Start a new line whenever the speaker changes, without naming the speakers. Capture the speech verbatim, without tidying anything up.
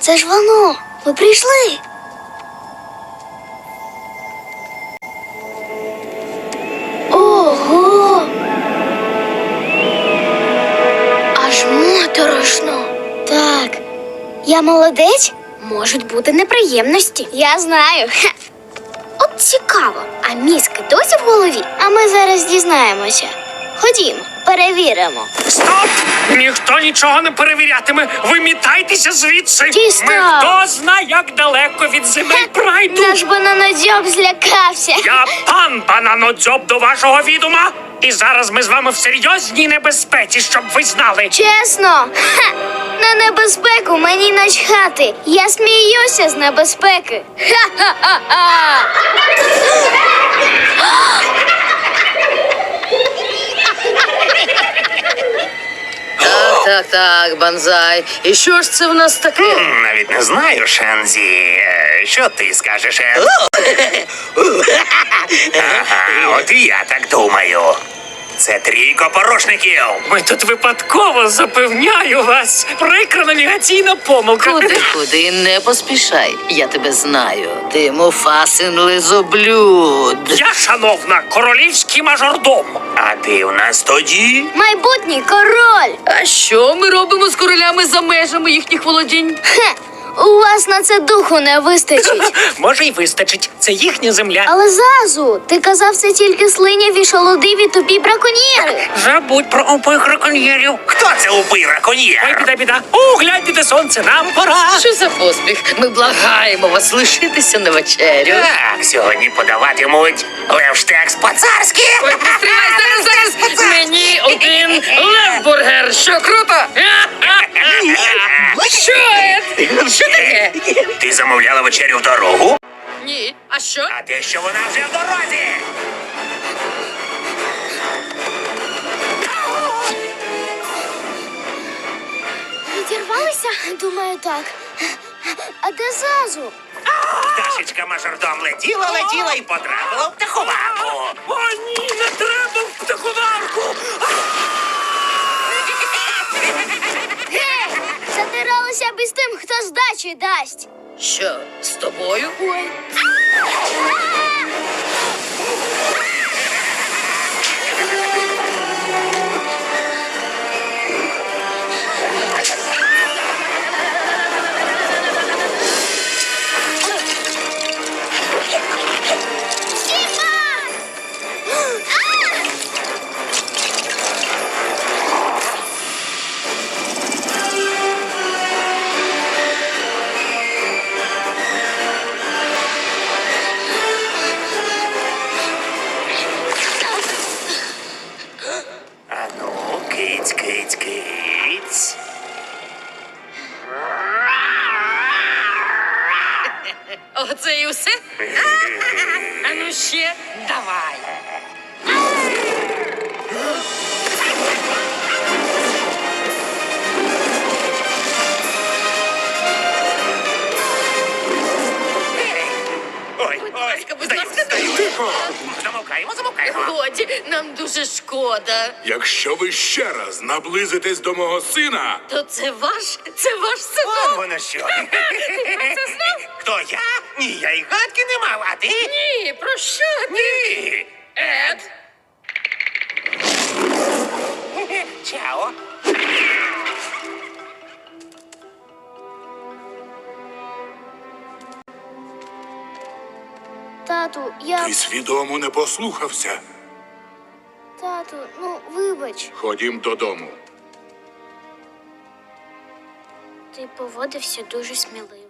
Це ж воно. Ми прийшли. Ого! Аж моторошно. Так. Я молодець? Можуть бути неприємності. Я знаю. Ха. От цікаво, а мізки досі в голові? А ми зараз дізнаємося. Ходімо, перевіримо.
Стоп! Ніхто нічого не перевірятиме. Вимітайтеся звідси.
Дістав.
Ми хто зна, як далеко від земель прайду.
Наш бананодзьоб злякався.
Я пан Бананодзьоб до вашого відома. І зараз ми з вами в серйозній небезпеці, щоб ви знали.
Чесно? Ха! На небезпеку мені начхати. Я сміюся з небезпеки. Ха-ха-ха-ха!
Так, так, так, банзай. І що ж це в нас таке?
Навіть не знаю, Шензі. Е, Що ти скажеш, Ен? Ага, от і я так думаю. Це трійко порушників.
Ми тут випадково, запевняю вас. Прикра навігаційна помилка.
Куди, куди, не поспішай. Я тебе знаю. Ти Муфасин лизоблюд.
Я, шановна, королівський мажордом.
А ти в нас тоді?
Майбутній король.
А що ми робимо з королями за межами їхніх володінь?
Хе, у вас на це духу не вистачить.
Може, й вистачить. Це їхня земля.
Але Зазу, ти казав, це тільки слиняві, шолодиві, тупі браконьєри.
Забудь про обох раконьєрів.
Хто це убий
Ой,
раконьєр?
біда, біда. О, гляньте, де сонце, нам пора.
Що за поспіх? Ми благаємо вас лишитися на вечерю.
Так, сьогодні подаватимуть левштекс по-царськи.
Ой, постривай, зараз, зараз! Мені один левбургер. Що, круто? Що це? Що таке?
Ти замовляла вечерю в дорогу?
Ні. А що?
А те, що вона вже в дорозі.
Відірвалися? Думаю, так. А де Зазу?
Пташечка мажордом летіла, летіла і потрапила в птаховарку.
О, ні, не треба в птаховарку.
Гей! Затиралися б із тим, хто здачі дасть.
Що, з тобою?
Ой.
А ну, киць, киць, киць.
Оце і все? А ну ще давай.
Ой,
Будь
ой,
ласка, будь
здаю,
ласка,
здаю.
Тихо!
Замовкаємо, замовкаємо.
Годі, нам дуже шкода.
Якщо ви ще раз наблизитесь до мого сина,
То це ваш, це ваш
Вон
синок.
воно що. Хто я? Ні, я й гадки не мав, а ти?
Ні, про що ти?
Ні.
Ед?
Чао.
Тату, я...
ти свідомо не послухався.
Тату, ну, вибач.
Ходім додому.
Ти поводився дуже сміливо.